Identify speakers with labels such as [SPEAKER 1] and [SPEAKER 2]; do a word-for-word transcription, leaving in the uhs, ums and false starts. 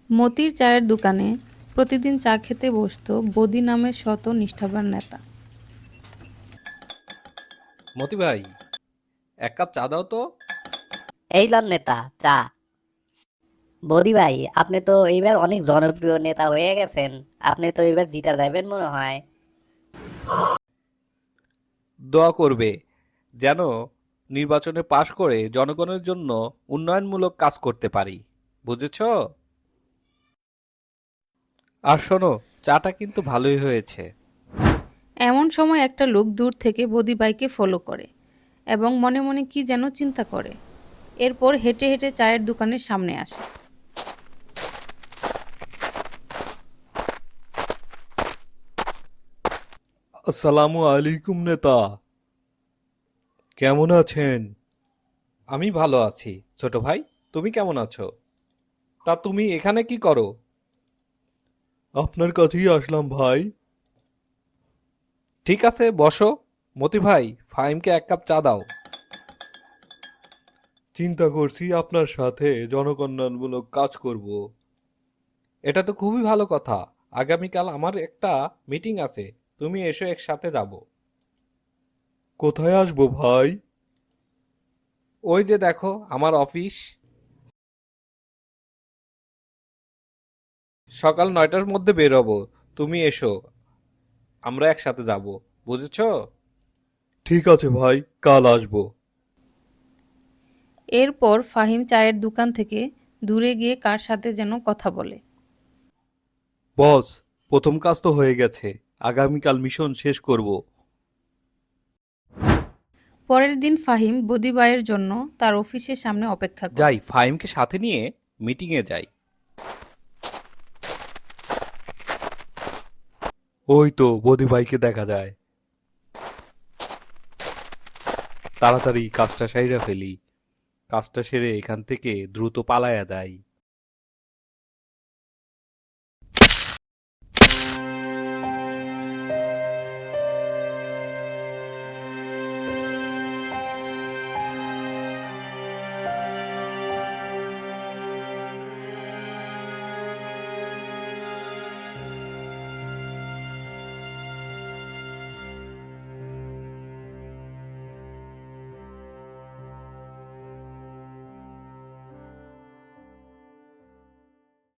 [SPEAKER 1] মতির চায়ের দোকানে প্রতিদিন চা খেতে বসত বদি নামের শত নিষ্ঠাবান নেতা।
[SPEAKER 2] মতি ভাই, এক কাপ চা দাও তো।
[SPEAKER 3] এই লন নেতা চা। বদি ভাই, আপনি তো এইবার অনেক জনপ্রিয় নেতা হয়ে গেছেন। আপনি তো এবার জিতা যাবেন মনে হয়।
[SPEAKER 2] দোয়া করবে যেন নির্বাচনে পাশ করে জনগণের জন্য উন্নয়নমূলক কাজ করতে পারি, বুঝেছ? আর শোনো, চাটা কিন্তু ভালোই হয়েছে।
[SPEAKER 1] এমন সময় একটা লোক দূর থেকে বদিভাইকে ফলো করে এবং মনে মনে কি যেন চিন্তা করে। এরপর হেঁটে হেঁটে চায়ের দোকানের সামনে আসে।
[SPEAKER 2] আসসালামু আলাইকুম নেতা, কেমন আছেন? আমি ভালো আছি ছোট ভাই, তুমি কেমন আছো? তা তুমি এখানে কি করো? আপনার কাছেই আসলাম ভাই। ঠিক আছে, বসো। মতি ভাই, ফাহিমকে এক কাপ চা দাও। চিন্তা করছি আপনার সাথে জনকল্যাণমূলক কাজ করব। এটা তো খুবই ভালো কথা। আগামীকাল আমার একটা মিটিং আছে, তুমি এসো, একসাথে যাব। কোথায় আসবো ভাই? ওই যে দেখো আমার অফিস। সকাল নয়টার মধ্যে বের হবো, তুমি এসো, আমরা একসাথে যাব, বুঝেছো? ঠিক আছে ভাই, কাল আসবো।
[SPEAKER 1] এরপর ফাহিম চায়ের দোকান থেকে দূরে গিয়ে কার সাথে যেন কথা বলে।
[SPEAKER 2] বস, প্রথম কাজ তো হয়ে গেছে, আগামীকাল মিশন শেষ করব।
[SPEAKER 1] পরের দিন ফাহিম বদিভাইয়ের জন্য তার অফিসের সামনে অপেক্ষা করে।
[SPEAKER 2] যাই, ফাহিমকে সাথে নিয়ে মিটিংয়ে যাই। ওই তো বদি ভাইকে দেখা যায়। তাড়াতাড়ি কাজটা সাইরা ফেলি, কাজটা সেরে এখান থেকে দ্রুত পালায়া যাই।